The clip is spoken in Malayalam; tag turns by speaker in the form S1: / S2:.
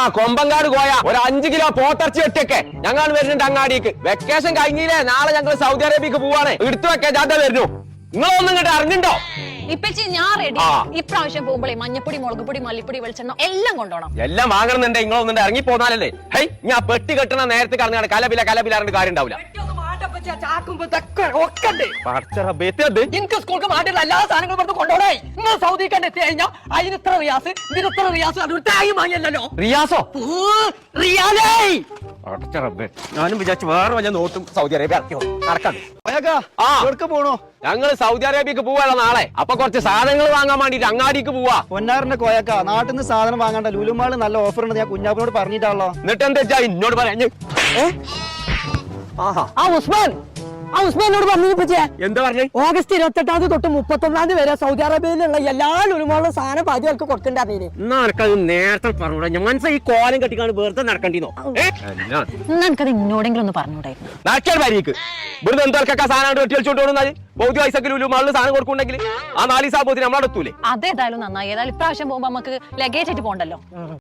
S1: കൊമ്പങ്കാട് പോയ ഒരു 5 കിലോ പോത്തിറച്ചി വെട്ടിയൊക്കെ ഞങ്ങൾ വരുന്നുണ്ട് അങ്ങാടിക്ക്. വെക്കേഷൻ കഴിഞ്ഞില്ലേ, നാളെ ഞങ്ങൾ സൗദി അറേബ്യക്ക് പോവാണ്. എടുത്തു വെക്കാൻ ജാഥ വരുന്നു. നിങ്ങളൊന്നും ഇങ്ങോട്ട് അറിഞ്ഞിണ്ടോ?
S2: ഇപ്പച്ചി ഞാൻ റെഡി. ഇപ്രാവശ്യം പോകുമ്പോഴേ മഞ്ഞപ്പൊടി, മുളകുപൊടി, മല്ലിപ്പൊടി, വെളിച്ചെണ്ണ എല്ലാം കൊണ്ടുപോകണം.
S1: എല്ലാം വാങ്ങണമെന്നുണ്ടെ നിങ്ങളൊന്നും ഇറങ്ങി പോന്നാലല്ലേ. ഹൈ, ഞാൻ പെട്ടി കെട്ടണ നേരത്തെ കറങ്ങാണ് കലപില കലപിലാറിന്റെ കാര്യം ഉണ്ടാവില്ല.
S3: എനിക്ക് സ്കൂൾക്ക് മാറ്റില്ല എല്ലാ സാധനങ്ങളും പുറത്ത് കൊണ്ടുപോകണേ. നിങ്ങൾ സൗദിക്കാണ്ട് എത്തി കഴിഞ്ഞാൽ അതിന് ഇത്ര റിയാസ്, ഇതിന് ഇത്ര റിയാസ്, അതൊരു തായി വാങ്ങിയല്ലോ.
S1: റിയാസോ?
S3: റിയാലേ
S1: ഞാനും വിചാരിച്ചു വേറെ വല്ല നോട്ടും സൗദി അറേബ്യ ഇറക്കിയോ നടക്കാം.
S4: പോണോ?
S1: ഞങ്ങൾ സൗദി അറേബ്യക്ക് പോവാലോ നാളെ. അപ്പൊ കുറച്ച് സാധനങ്ങൾ വാങ്ങാൻ വേണ്ടിട്ട് അങ്ങാടിക്ക് പോവാ.
S4: പൊന്നാറിന്റെ കോയക്ക നാട്ടിൽ നിന്ന് സാധനം വാങ്ങണ്ട, ലുലുമാള് നല്ല ഓഫർ ഉണ്ട്. ഞാൻ കുഞ്ഞാപ്പിനോട് പറഞ്ഞിട്ടാണല്ലോ.
S1: എന്നിട്ട് എന്താ എന്നോട് പറഞ്ഞു?
S3: ഉസ്മാനോട് പറഞ്ഞു.
S1: എന്താ പറഞ്ഞു?
S3: ഓഗസ്റ്റ് 28 തൊട്ട് 31 വരെ സൗദി അറേബ്യയിലുള്ള എല്ലാ ലുലുമാളും സാധനം പാചകർക്ക് കൊടുക്കണ്ടേ.
S1: നടക്കത് നേരത്തെ പറഞ്ഞൂടാ. ഞാൻ ഈ കോലം കെട്ടിക്കാണ് വെറുതെ നടക്കണ്ടിന്നോ?
S2: എനിക്കത് ഇന്നോടെങ്കിലും ഒന്ന് പറഞ്ഞൂടായിരുന്നു.
S1: നടക്കാൻ വരിക്ക് ഇവിടുന്ന് എന്തൊക്കെ സാധനം വെട്ടി കളിച്ചോണ്ട് പോകുന്നത്. ബൗദ്ധ പൈസക്ക് ലുലുമാളിൽ സാധനം കൊടുക്കുന്നുണ്ടെങ്കിൽ ആ 4 ദിവസം നമ്മളെത്തൂലേ.
S2: അതേതായാലും നന്നായി. ഏതായാലും ഇപ്രാവശ്യം പോകുമ്പോ നമുക്ക് ലഗേജ് ആയിട്ട് പോകണ്ടല്ലോ.